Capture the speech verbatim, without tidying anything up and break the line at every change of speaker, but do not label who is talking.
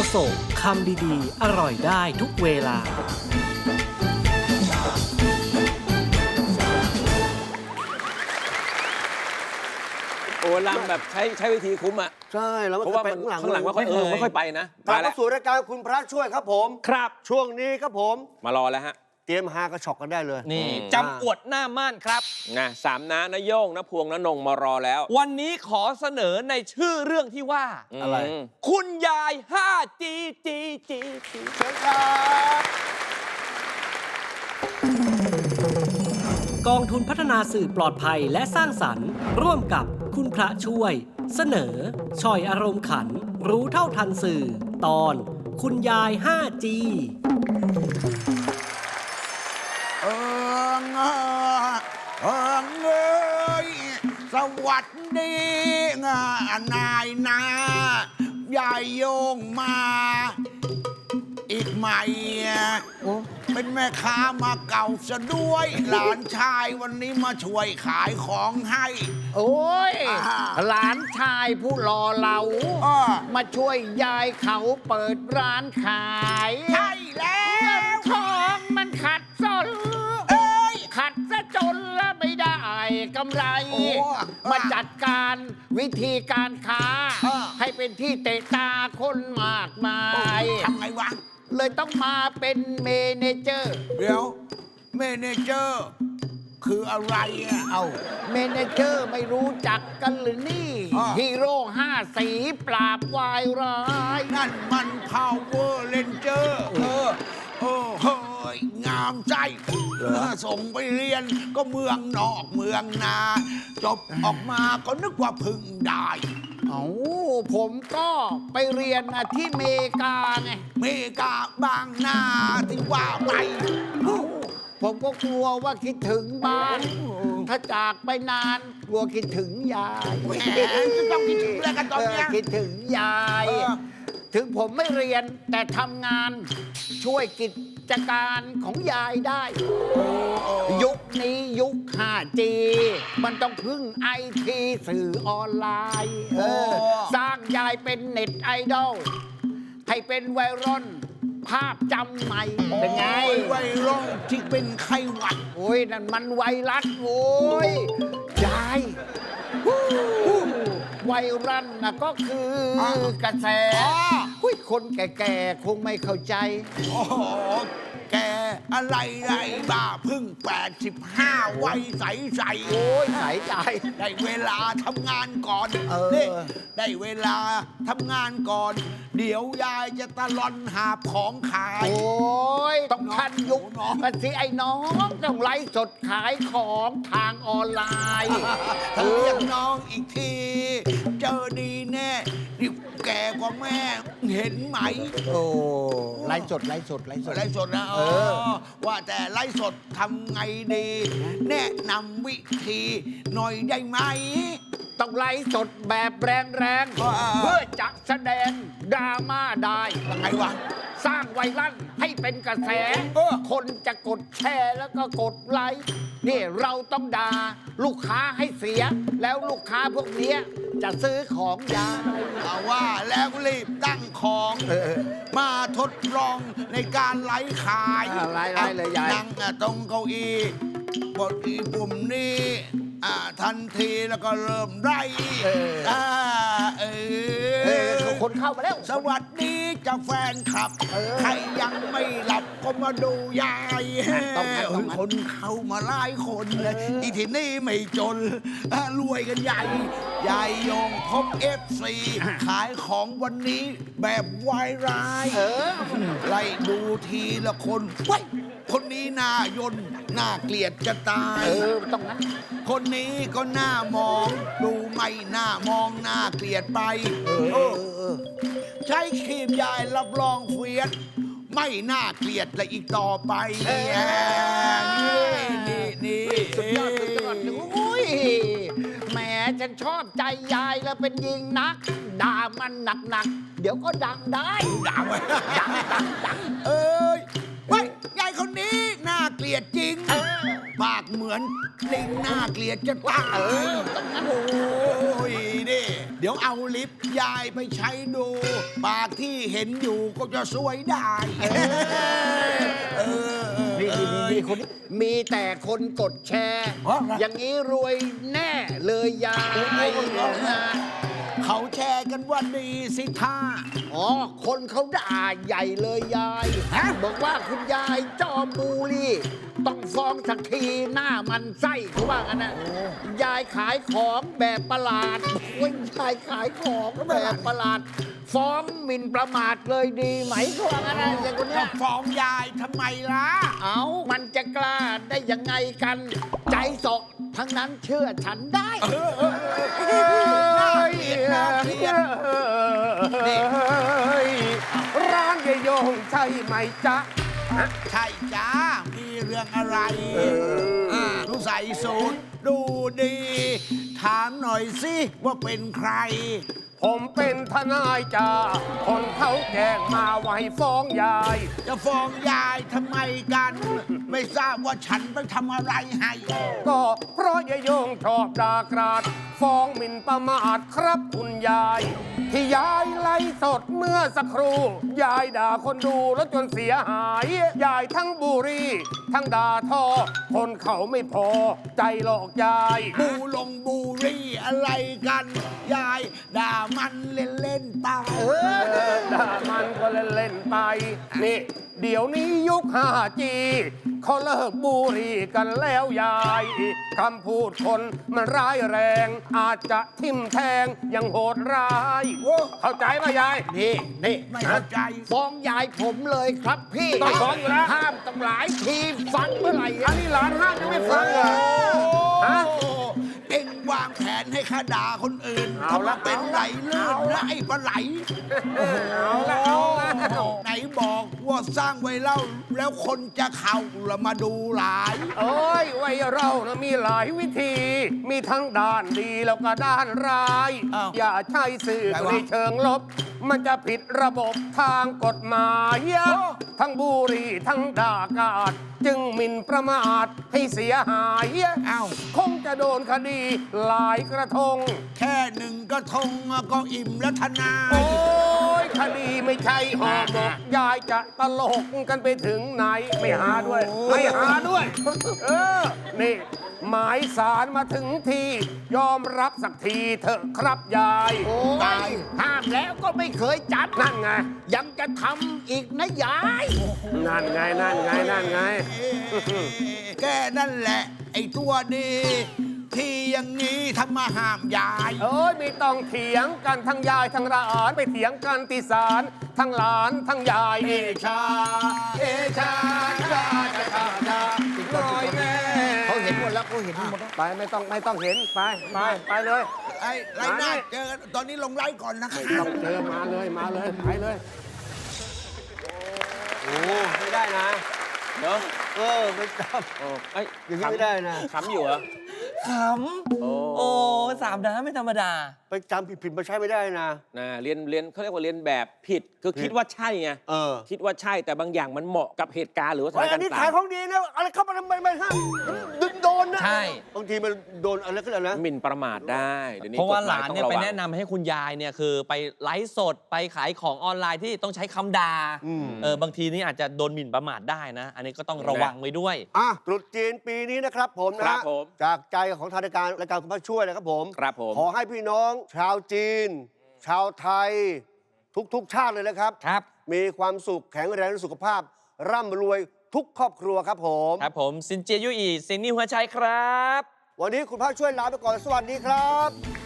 โศกคำดีๆอร่อยได้ทุกเวลา
โอ้ลำแบบใช้ใช้วิธีคุ้มอ่ะ
ใช่แล้ว
เพราะว่ามันข้างหลังไม่ค่อยเออไม่ค่อยไปนะ
กลับมาสู่รายการคุณพระช่วยครับผม
ครับ
ช่วงนี้ครับผม
มารอแล้วฮะ
เตรียมฮากระชอกกันได้เลย
นี่
อืม
จำอวดหน้าม่านครับ
นะสามน้านะโย่งนะพวงนะนงมารอแล้ว
วันนี้ขอเสนอในชื่อเรื่องที่ว่า
อะไร
ม
คุณยาย ห้า จี จี จี จี
เชิญครับ
กองทุนพัฒนาสื่อปลอดภัยและสร้างสรรค์ ร่วมกับคุณพระช่วย เสนอช่อยอารมณ์ขัน รู้เท่าทันสื่อ ตอน คุณยาย ห้า จี
เอิงเอิงเอ้ยสวัสดีงานายนายายโยงมา อีกไหมเป็นแม่ค้ามาเก่าซะด้วย หลานชายวันนี้มาช่วยขายของให้
โอ้ย
อ่า
หลานชายผู้หล่อเหลา
อ้อ
มาช่วยยายเขาเปิดร้านขาย
ใช่แล้ว
ทองมันขัดสน
เอ้ย
ขัดซะจนแล้วไม่ได้กำไร
โอ้
มาจัดการวิธีการค้า
อ่า
ให้เป็นที่เตะตาคนมากมาย
ทำไงวะ
เลยต้องมาเป็นเมเนเจอร์
เดี๋ยวเมเนเจอร์ คืออะไรอ่ะ
เอาเมเนเจอร์ไม่รู้จักกันหรือนี่
อ่า
ฮีโร่ห้าสีปราบวายร้าย
นั่นมัน Power Ranger เออโอ้เฮ้ยงามใจส่งไปเรียนก็เมืองนอกเมืองนา จบออกมาก็นึกว่าพึ่งได้
เอาผมก็ไปเรียนน่ะที่เมกาไง
เมกาบางนาที่ว่าไป
ผมก็กลัวว่าคิดถึงบ้าน ถ้าจากไปนานกลัวคิดถึงยาย
แหมจะต้องคิดถึงแล้วกันตอนเนี้ย
เคิดถึงยาย
เออ
ถึงผมไม่เรียนแต่ทำงานช่วยกิจการของยายได้ ยุคนี้ยุค ห้า จี มันต้องพึ่งไอทีสื่อออนไลน์เออสร้างยายเป็นเน็ตไอดอลให้เป็นไวรัลภาพจำใหม่เป็นไง
โอ้ยไวรัลที่เป็นไข้หวัด
โอ้ยนั่นมันไวรัสโว้ยยายไวรัสนะก็คืออ
อ
กระแส
อ๋อ
หุ้ยคนแก่ๆ คงไม่เข้าใจ
โอ้โหแกอะไรไรบ้าเพึ่งแปดสิบห้าวัยใสใส
โอ้ยใสใจ
ได้เวลาทำงานก่อน
เออ
นี่ได้เวลาทำงานก่อน เดี๋ยวยายจะตะลอนหาบของขาย
โอ้ยต้องทันยุค
น้อง
กันสิไอ้น้องต้องไลฟ์สดขายของทางออนไลน์
ถ้าเรียกน้องอีกที เจอดีแน่นี่แก่กว่าแม่เห็นไหม
โอ้ไลฟ์สดไลฟ์สดไลฟ์สด
ไลฟ์สดนะ
เออ
ว่าแต่ไลฟ์สดทำไงดี แนะนำวิธีหน่อยได้ไหม
ต้องไลฟ์สดแบบแรง
อ่า
ๆ เพื่อจะแสดงดราม่าได้
ยังไงวะ
สร้างไวรัลให้เป็นกระแส
เออ
คนจะกดแชร์แล้วก็กดไลค์นี่เราต้องด่าลูกค้าให้เสีย แล้วลูกค้าพวกเนี้ยจะซื้อของยาย
เอาว่าแล้วรีบตั้งของ
เออ
มาทดลองในการไลฟ์ขาย
อ่าไลฟ์ไลฟ์เลยยาย
นั่งอ่ะตรงเก้าอี้กดอีปุ่มนี้อ่าทันทีแล้วก็เริ่มไล่
เอออ่
าเอ
เอ
อ
อคนเข้ามาแล้ว
สวัสดีจ้าแฟนคลับ
เออ
ใครยังไม่หลับก็มาดูยาย
ต้องงั้นต้องงั้น
คนเข้ามาหลายคนเลยอีที่นี่ไม่จนอ่ะรวยกันใหญ่ยายยงพบเอฟซีขายของวันนี้แบบวายร้าย
เออ
ไล่ดูทีละคนเว้ยคนนี้หน้ายนหน้าเกลียดจะตาย
เออต้องงั้น
คนนี้ก็หน้ามอง ดูไม่หน้ามองหน้าเกลียดไป
เออ
เอ
เอ
อ
อเออ
ใช้ครีมยายรับรองเฟียสไม่น่าเกลียดเลยอีกต่อไป
เออ
นี่นี่นี่
สุดยอดสุดยอดโอ้ยแหมฉันชอบใจยายแล้วเป็นยิงนัก ด่ามันหนักๆ เดี๋ยวก็ดังได้
ด่าไว้ดังดังดังเอ้ยเว้ยยายคนนี้น่าเกลียดจริง
เออ
ปากเหมือนลิงน่าเกลียดจะตาย
เออต้องงั้น
โอ้ยนี่เดี๋ยวดี๋ยวเอาลิปยายไปใช้ดู ปากที่เห็นอยู่ก็จะสวยได้เออ
นี่นี่นี่นี่คนนี้มีแต่คนกดแชร์
อ๋อ
อย่างนี้รวยแน่เลยยาย
เขาแชร์กันว่าดีสิท่า
อ๋อ คนเขาด่าใหญ่เลยยาย
ฮะ
บอกว่าคุณยายจอมบูลลี่ ต้องฟ้องสักทีหน้ามันไส้เขาว่ากันนะยายขายของแบบประหลาดโอ้ยยายขายของแบบประหลาด ฟ้องหมิ่นประมาทเลยดีไหมเขาว่ากันนะอย่างคนเนี้
จะ
ย
ฟ้องยายทำไมล่ะ
เอามันจะกล้าได้ยังไงกัน ใจเสาะทั้งนั้นเชื่อฉันได้
น่าเกลียดน่าเกลียดนี่
ร้านยายโยงใช่ไหมจ๊ะ
ใช่จ้า มีเรื่องอะไรอ่าดูใส่สูตรดูดี ถามหน่อยสิว่าเป็นใคร
ผมเป็นทนายจ้าคนเขาแจ้งมาว่าให้ฟ้องยาย
จะฟ้องยายทำไมกัน ไม่ทราบว่าฉันไปทำอะไรให้
ก็เพราะยายโยงชอบด่ากราด ฟ้องหมิ่นประมาทครับคุณยาย ที่ยายไล่สดเมื่อสักครู่ ยายด่าคนดูแล้วจนเสียหาย ยายทั้งบุรี ทั้งด่าทอ คนเขาไม่พอ ใจหลอกยาย
บูลงบูรี่อะไรกัน ยายด่ามันเล่นเล่นๆตาย
ด่ามันก็เล่น ๆ ไป นี่ เดี๋ยวนี้ยุค ห้าจี เขาเลิกบุหรี่กันแล้วยายคำพูดคนมันร้ายแรง อาจจะทิ่มแทงยังโหดร้าย เข้าใจไหมยาย
นี่นี่
ไม่เข้าใจ
ฟ้องยายผมเลยครับพี่
ต้องฟ้องอยู่แล้ว
ห้ามตั้งหลายทีฟังเมื่อไหร่
อันนี้หลานห้ามยังไม่ฟังเหรอ ฮะ
เอ็งวางแผนให้ข้าด่าคนอื่น
เอาละ
ทำเป็นไหลลื่นนะไอ้ปลาไหล
เอาละเอาละ
ไหนบอกว่าสร้างไว้เล่า แล้วคนจะเข้าละมาดูหลาย
โอ้ยวัยเรานะมีหลายวิธี มีทั้งด้านดีแล้วก็ด้านร้าย
อ้าว
อย่าใช้สื่อ
ไงวะ
ในเชิงลบ มันจะผิดระบบทางกฎหมายทั้งบุหรีทั้งด่ากาด จึงหมิ่นประมาทให้เสียหาย
อ้าว
คงจะโดนคดีหลายกระทง
แค่หนึ่งกระทงก็อิ่มแล้วทนาย
โอ้ยคดีไม่ใช่ห่อหมกยายจะตลกกันไปถึงไหน ไม่หาด้วย ไม่หาด้วย เออ นี่ หมายสารมาถึงที ยอมรับสักทีเถอะครับยาย
โอ้ยห้ามแล้วก็ไม่เคยจัด
นั่นไง
ยังจะทำอีกนะยาย
นั่นไง นั่นไง นั่นไง
แกนั่นแหละ ไอ้ตัวดี ที่อย่างนี้ทำมาห้ามยาย
เอ้ยไม่ต้องเถียงกันทั้งยายทั้งหลานไปเถียงกันที่ศาลทั้งหลานทั้งยาย
เอชา เอชาชาชาชาชา
ลอยแม่
เขาเห็นหมดแล้วเขาเห็นหมดแล้ว
ไปไม่ต้องไม่ต้องเห็นไปไปไปเลย
ไอ้ไรหน้าเจอกันตอนนี้ลงไลฟ์ก่อนนะค
ไม่
รั
ต้
บ
องเจอมาเลยมาเลยไปเลย
โอ้ไม่ได้นะ
เนาะ
เออไม่ท
โอ้ไอ้ย
ำอย่างนี้ไม่ได้นะ
ขำอยู่เหรอ
ขำ
โอ้
โอ้สามน้ำไม่ธรรมดา
ไปจำผิดๆมาใช้ไม่ได้นะ
นะเรียนเรียนเขาเรียกว่าเรียนแบบผิด คือคิดว่าใช่ไง
เออ
คิดว่าใช่แต่บางอย่างมันเหมาะกับเหตุการณ์หรือว่าสถา
ไอ้
น
อั
การ
นนี้
ณ์ต่า
ขาย
ง
ของดีนะอะไรเข้ามาทำไมไม่ห้ามดึงโดนนะ
ใช่
บางทีมันโดนอะไรก็แล้วนะ
หมิ่นประมาทได้เดี๋ยวนี้
เพราะว่าก
ฎ
ห
ม
ลานเนี่ย
ต้อง
ไประ
วัง
แนะนำให้คุณยายเนี่ยคือไปไลฟ์สดไปขายของออนไลน์ที่ต้องใช้คำด่า
อืม
เออบางทีนี่อาจจะโดนหมิ่นประมาทได้นะ อันนี้ก็ต้องระวังไว้ด้วย
อ่ะตรุษจีนปีนี้นะครับผมนะ
ครั
ฮะ
บผม
จากใจของทางรายการรายการคุณพระช่วยนะครับผม
ครับผม
ขอให้พี่น้อง ชาวจีน ชาวไทย ทุกๆชาติเลยนะครับ
ครับ
มีความสุขแข็งแรงสุขภาพ ร่ำรวยทุกครอบครัวครับผม
ครับผมซินเจียยุอีซินนี่หัวใจครับ
วันนี้คุณพระช่วยลาไปก่อนสวัสดีครับ